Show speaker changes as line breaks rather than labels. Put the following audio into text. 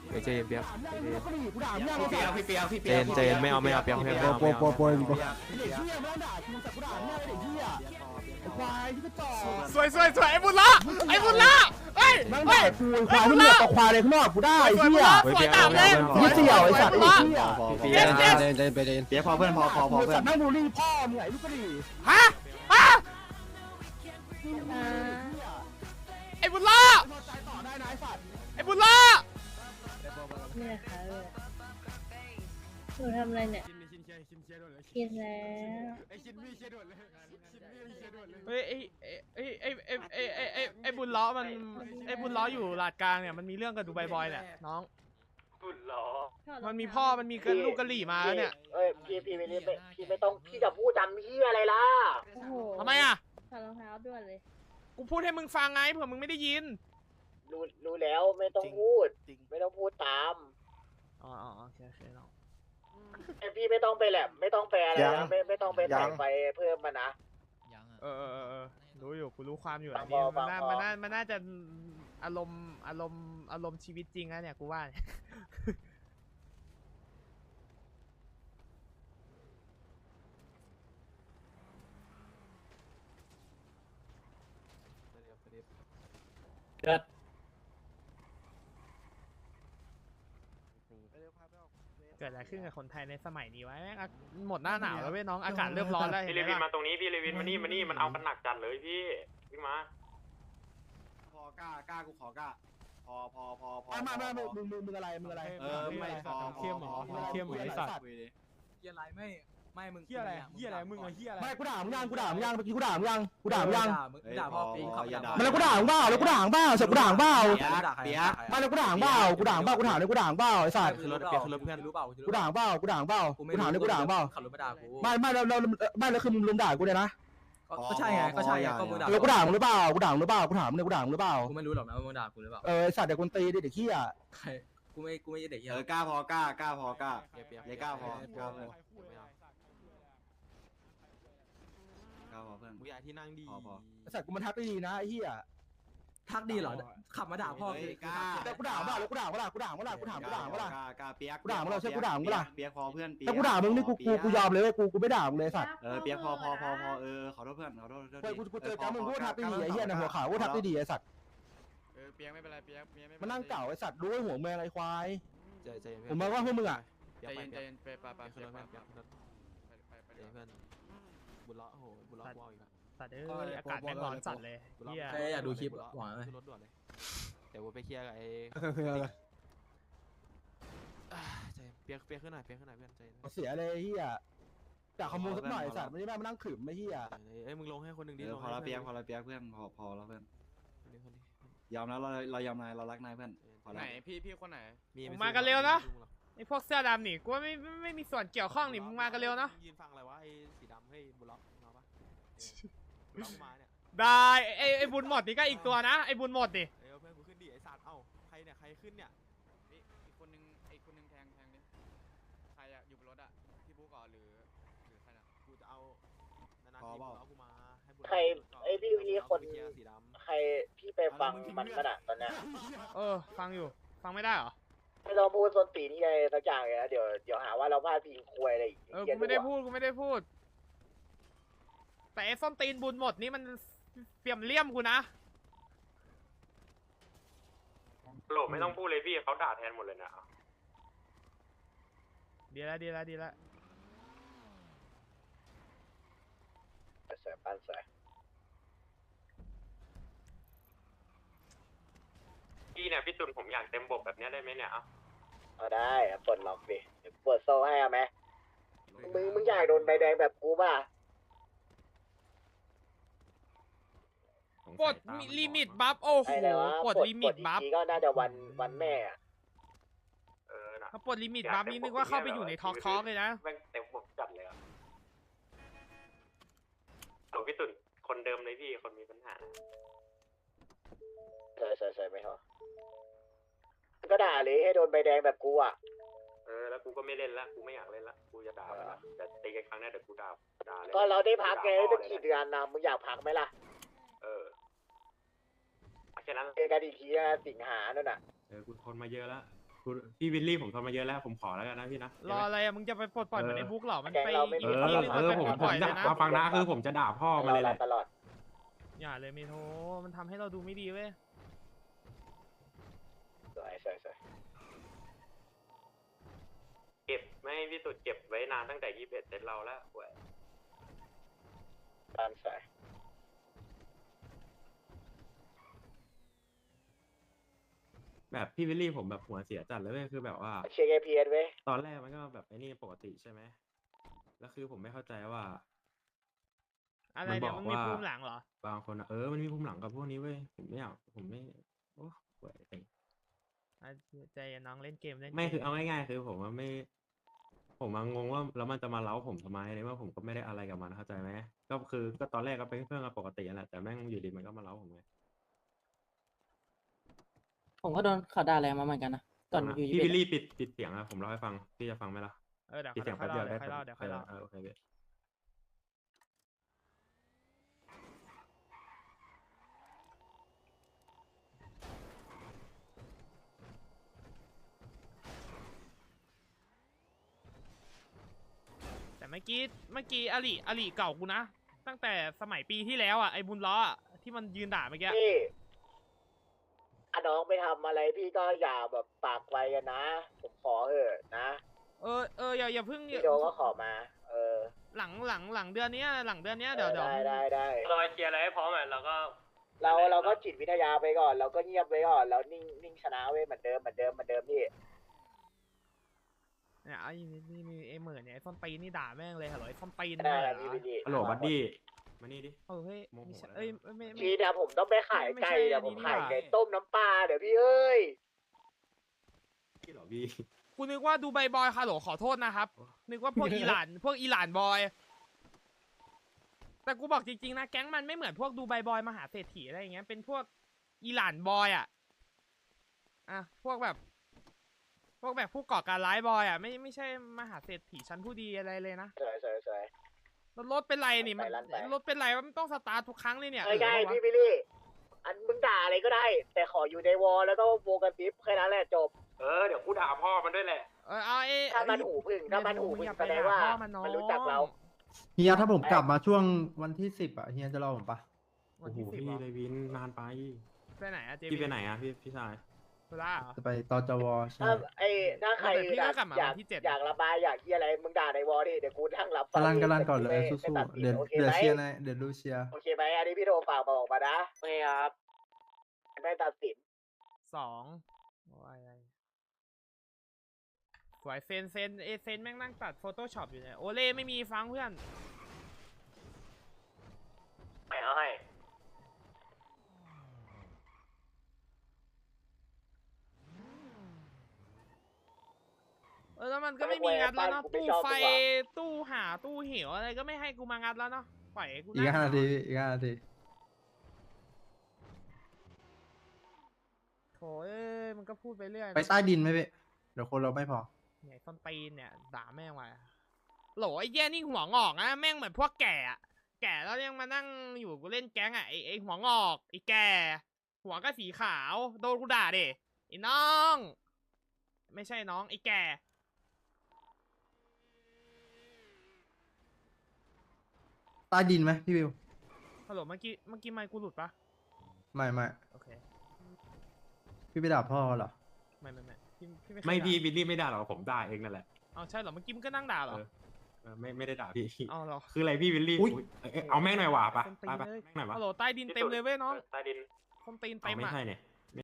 เจนเปียก
กูด่ามึงยังไง
พี่เปียก
เจนไม่เอาเปียกไม่เอา
โปยเด็กเหี้ยไม่ต้องด่ากูแต่กูด่ามึงเด็กเหี้ยไอ้ควายที่กระจอก
สวยไอ้บุญละเฮ้ย
นั่งด่ากูควายที่เหลือต่อควายเลยข้างนอกกูได้ไอ้เหี้ย
สวยตามเลย
ยี่เสี่ยวไอ้สัตว์ไอ้เหี้ย
เปียกเปียกพอเพื่อนพอ
ไอ้
เพื่อ
สั
น
ตว์นั่งบูลลี่พ่อมึงไงลูกกระดิ่
ฮะไอ้บุญละ
ใจต่อได้นะไอ้สัตว์
ไอ้บุญละ
เนี่ยค่ะหนูทำอะไรเนี่ยกินแล้ว
เฮ้ยไอ้บุญล้อมันไอ้บุญล้ออยู่ลาดกลางเนี่ยมันมีเรื่องกับดูไบบอยเนี่ยน้องบุญล้อมันมีพ่อมันมีลูกกะหรี่มาแล้วเนี่ย
เอ้ยพี่ไม่ต้องพี่จะพูดจำพี่อะไรล่ะ
โอ้โห
ทำไมอ่ะ
ถอดรองเท้าด่วนเลย
กูพูดให้มึงฟังไงเผื่อมึงไม่ได้ยิน
รู้แล้วไม่ต้องพูดไม่ต้องพูดตาม
อ๋อโอเคน้อง
ไอพี่ไม่ต้องไปแหลมไม่ต้องไปอะไรนะไม่ต้องไปแต่งไฟเพิ่มมานะ
เออรู้อยู่กูรู้ความอยู่อันนี้มันน่าจะอารมณ์ชีวิตจริงนะเนี่ยกูว่าเนี่ย เกิดอะไรขึ้นกับคนไทยในสมัยนี้วะแม่งหมดหน้าหนาวแล้วเว้ยน้องอากาศเริ่มร้อนแล้ว
พี่เลวินมาตรงนี้พี่เลวินมานี่มันเอากันหนักจัดเลยพี่มา
พอกล้ากูขอกล้าพอ
มามึงอะไร
ไม่พอเข้มหรอเข้มเหมือนไอ้สัตว์
เฮียอะไรไม่มึง
เฮียอะไรมึงอะเฮียอะไร
ไม่กูด่ามึงยังเมื่อกี้กูด่ามึงยัง
ด่าพ่อปีขับ
มันแล้วกูด่ามึงเปล่าแล้วกูด่ามึงเปล่าเสร็จกูด่ามึงเปล่า
เปียก
ไม่แล้วกูด่ามึงเปล่ากูถามเลยกูด่ามึงเปล่าไอ้สัตว์
คือรถเปียกคือรถเพื่อนรู้เปล่า
กูด่ามึงเปล่ากูถามเลยกูด่ามึงเปล่า
ขับรถมาด่ากู
ไม่แล้วคือมึงลุมด่ากูเลยนะ
ก็ใช่ไงก็มึงด่า
แล้วกูด่ามึงหรือเปล่ากูถามเลยกูถามเลยกูด่ามึงหรือเปล่า
กูไม่รู้หรอกนะว่ามึงด่ากูหรือเปล่า
ไอ้สัตว์เด็กคนตีเด็กขี้อ่ะ
กูไม่เด็กเฮีย
กล้าพอกล้าพอกล้าเลยกล้าพอกล้าพอเพื่อน
กูอยากที่นั่งดี
พอ
ไอ้สัตว์กูมันทักได้ดีนะไอ้เหี้ย
ทักดีเหรอขับมาด่าพ่อ
กล้า
แต่กูด่าเปล่าแล้วกูด่าเปล่ากูถามเปล่า
กล้าเปียกพอเพื่อน
ถ้ากูด่ามึงนี่กูยอมเลยเว้ยกูไม่ด่ามึงเลยสัตว์
เปียกพอขอโทษเพื่อนขอโทษ
เฮ้ยกูเจอแกมึงกูทักได้ดีไอ้เหี้ยในหัวขาวกูทักได้ดีไอ้สัตว์
เปียกไม่เป็นไรเปียกไม่
มันนั่งเก่าไอ้สัตว์รู้ไอ้หัวเมืองไอ้ควาย
ใจ
ผมมาว่าพวกมึงอ่ะ
ใจเย็นไปเพื่อนบุญล้อโอ้โหบุญล้อวอลอีกแล้ว
สัตว์อากาศแม่งร้อนจัดเลยเฮีย
อยากดูคลิปหวังเลย
ขึ้นรถด่วนเลยเดี๋ยวกูไปเคลียร์กับไอ้ใจเปียกขึ้นหน่อยเพื่อนใจ
เสียเลยเหี้ยจากขโมยสักหน่อยสัตว์ไม่ได้มานั่งขืมไม่เหี้ย
เอ้ยมึงลงให้คนหนึ่งดิ
พอละเปียกเพื่อนพอแล้วเพื่อนยอมแล้วเรายอมนายเรารักนายเพื่อน
ไหนพี่คนไหน
มึงมากันเร็วนะไอพวกเสื้อดำนี่กูว่าไม่มีส่วนเกี่ยวข้องนี่มึงมากันเร็วนะ
ยืนฟังอะไรวะไอ้สีดำให้บุญล้อมาปะมาเนี่ย
ได้ไอบุญหมดนี่ก็อีกตัวนะไอบุญหมดดิ
เพื่อนกูขึ้นดิไอ้สัตว์เอ้าใครเนี่ยใครขึ้นเนี่ยนี่อีกคนนึงแทงดิใครอะอยู่บนรถอะพี่บุ๊กก่อนหรือใครนะกูจะเอานานๆทีบุญล้อกูมาให้บุญ
ใครไอพี่คนใครพี่ไปฟังมันขนาดตอนเนี้ย
ฟังอยู่ฟังไม่ได้เหรอ
ไม่ต้องพูดส้นตีนที่อะไรสักอย่างเลยนะเดี๋ยวหาว่าเราพลาดพิงควยอะไรอีก
กูไม่ได้พูดแต่ไอ้ส้นตีนบุญหมดนี่มันเปี่ยมเลี่ยมกูนะ
โหลไม่ต้องพูดเลยพี่เขาด่าแทนหมดเลยนะ
ดีแล้ว
เสือปันเสือ
พี่เนี่ยพี่ตุนผมอยากเต็มบกแบบนี้ได้ไหมเนี่ย
เอาได้ปลดล็อกดิเดี๋ยวปลดโซ่ให้เอาไหมมึงอยากโดนใบแดงแบบกูป่ะ
กดลิมิตบัฟโอ้โหกดลิมิตบัฟ
ทีก็น่าจะวันแม่อะ
นะ
ถ้าปลดลิมิตบัฟนี่นึกว่าเข้าไปอยู่ในทอล์กเลยนะ
แม่งเต็มบกจัดเลยอ่ะหลวงพี่ตุนคนเดิมเลยพี่คนมีปัญหา
เสยไม่พอก็ด่าเลยให้โดนใบแดงแบบกูอ่ะ
แล้วกูก็ไม่เล่นละกูไม่อยากเล่นละกูจะด่าไปละแต่ตีกันครั้งนี้เดี๋ยวกูด่าเลย
ก็เราได้พักไงตั้งกี่เดือนนะมึงอยากพักไหมล่ะ
แค่นั้น
เจอกันอีกทีนะสิงหานั่นน่ะ
กูทนมาเยอะแล้ว
พี่วิลลี่ผมทนมาเยอะแล้วผมขอแล้วกันนะพี่นะ
รออะไรอะมึงจะไปปลดปล่อยเหมือนในบุ๊กเหรอมันไป
ไม่
อีก
มี
ที่นึงมันไปปลดปล่อยเลยนะ
มาฟังนะคือผมจะด่าพ่อมาเลยแหละ
ตลอด
อย่าเลยเมโทมันทำให้เราดูไม่ดีเว้ย
สวย
เก็บไม่พี่สุดเก็บไว้นานตั้งแต่21เซตเราแล้วเว้ย
บ้านสวย
แบบพี่วิลลี่ผมแบบหัวเสียจัดเลยเว้ยคือแบบว่า
เชียร์ KPS เว้ย
ตอนแรกมันก็แบบไอ้นี่ปกติใช่ไหมแล้วคือผมไม่เข้าใจว่า
อะไรเนี่ย
มัน
มึ
บ
ง
อกว่า
มีภูมิหลังเหรอบ
างคนอะมันมีภูมิหลังกับพวกนี้เว้ยผมไม่โอ้เว้ยแต่
อ่ะใจเย็นน้องเล่นเกมเล่น
ไม่
เก
คือเอาง่ายๆคือผมว่าไม่ ผมงงว่าแล้วมันจะมาเล้าผมทำไมในเมื่อผมก็ไม่ได้อะไรกับมันเข้าใจไหมก็ตอนแรกก็เป็นเพื่อนกันปกตินั่นแหละแต่แม่งอยู่ดีมันก็มาเล้าผมไง
ผมก็โดนเขาด่าแรงมาเหมือนกันนะก่อนอยู่
พี่วิลลี่ปิดเสียงอะผมเล่าให้ฟังพี่จะฟังไหมล่ะ
เดี๋ยว
ปิดเสียง
ค่
แป๊
อย
บเดียว
เล่า
ได้
เดี๋ยวค่อยเล่า
โอเคพี่
แต่เมื่อกี้อลิเก่ากูนะ ตั้งแต่สมัยปีที่แล้วอ่ะไอ้บุญล้ออะที่มันยืนด่าเมื่อกี้
พี่น้องไปทำอะไรพี่ก็อย่าแบบปากไวกันนะ ผมขอเถอะนะ
อย่าเพิ่ง
พี่โดก็ขอมา
หลังเดือนเนี้ยเดี๋ยว
ได้
รอเคลียร์อะไรให้พร้อมอ่ะแล้วก็
เราก็จิตวิทยาไปก่อน เราก็เงียบไว้ก่อนแล้วนิ่งชนะเว้ยเหมือนเดิมพี่
เนี่ยไอ้นี่ไอ้เหมือนเนี่ยไอ้ส้นตีนนี่ด่าแม่งเลยฮัลโหลไอ้ส้นตีน
ได้
เหร
พี่
อ
พี่
ฮัลโหลบัดดี้มานี่ดิ
เฮ้ย
โมโห
ไม่ใช่
แล้ว
เอ้ยไม่
ทีเดี๋ยวผมต้องไปขายไก่
ไม่ใช่
เดี๋ยวผม
นี่
ขาย
นี่หว่า
ไก่ต้มน้ำปลาเดี๋ยวพี่เอ้ย
พี่เหรอพี่
กูนึกว่าดูใบบอยฮัลโหลขอโทษนะครับ นึกว่าพวกอิหร่าน พวกอิหร่านบอย แต่กูบอกจริงๆนะแก๊งมันไม่เหมือนพวกดูใบบอยมหาเศรษฐีอะไรอย่างเงี้ยเป็นพวกอิหร่านบอยอ่ะพวกแบบผู้ก่อการร้ายบอยอ่ะไม่ใช่มหาเศรษฐีชั้นผู้ดีอะไรเลยนะ
สวย
แล้วรถเป็นไรนี่มัน
ลั่นไป
รถเป็นไรมันต้องสตาร์ททุกครั้งเลยเนี่ย
ไม่ได้
เออ
พี่บิลลี่ อันมึงด่าอะไรก็ได้ แต่ขออยู่ในวอลแล้วก็โวกันทิปแค่นั้นแหละจบ
เดี๋ยวกูด่าพ่อมันด้วยแหละ
เอาไอ้
ถ้ามันหูพึ่งแสดงว่ามันรู้จักเรา
เฮียถ้าผมกลับมาช่วงวันที่10อ่ะเฮียจะรอผมปะ
วัน
โอ้โห
ที่10
พี่
เหรอ
เลยวินนานไป
ไปไหนอะเจ
พี่ไปไหนอะพี่ชาย
ธุระเหรอ
จะไปตจวใช่
ถ้าใคร
แต่พี่ก็กลับมา
อยาก
วันที่7
อยากระบายอยากที่อะไรมึงด่าในวอลดิเดี๋ยวกูนั่งรับฟั
กำลันก่อนเลย
ไม่
สู้
ตัด
ๆ
สิน
เดี๋ยว
โอเค
เดี๋ยว
ไหม
เชียร์นะเดี๋ยวดูเชียร์
โอเคไหมอันนี้พี่โทรฝากบอกมานะไม่ครับไม่ตัดสิน
2อะไรสวยเซนแม่งนั่งตัดโฟโต้ช็อปอยู่เนี่ยโอเล่ไม่มีฟังเพื่อน
ไปเอาให้
แล้วมันก็ไม่มีงัดแล้วเนาะตู้ไฟตู้หาตู้เหวอะไรก็ไม่ให้กูมางัดแล้วเนาะปล่อยให้กู
อีก 5 นาทีอีก 5 นาที
โถเอ้ยมันก็พูดไปเรื่อยนะ
ไปใต้ดินไหมพี่เดี๋ยวคนเราไม่พอ
เนี่ยส้นตีนเนี่ยด่าแม่งไว้โหลไอ้แย่นี่หัวงอกนะแม่งเหมือนพวกแก่อะแก่แล้วยังมานั่งอยู่กูเล่นแก๊งอะไอ้หัวงอกไอ้แก่หัวก็สีขาวโดนกูด่าดิไอ้น้องไม่ใช่น้องไอ้แก่
ใต้ดินไหมพี่วิว
ฮัลโหลเมื่อกี้ไมค์กูหลุดปะ
ไม่
โอเค
พี่ไปด่าพ่อเหรอ
ไม่พี่ไม่เคย
ไม่พี่
ด่า
วิลลี่ไม่ด่าหรอกผมด่าเองนั่นแหละ
เอาใช่เหรอเมื่อกี้มึงก็นั่งด่าเหรอ
ไม่ได้ด่าพี่
เอาเหรอ
คืออะไรพี่วิลลี่
อุ๊ย
เอาแม่งหน่อยว่ะไป
ส้นตีนเลย
แม่งหน่อยว่ะ
ฮัลโหลใต้ดินเต็มเลยเว้ยน้อง
ใต้ดิน
ส้นตีน
เอา
เต็ม
ไม่
อะ
ใช่เนี่ย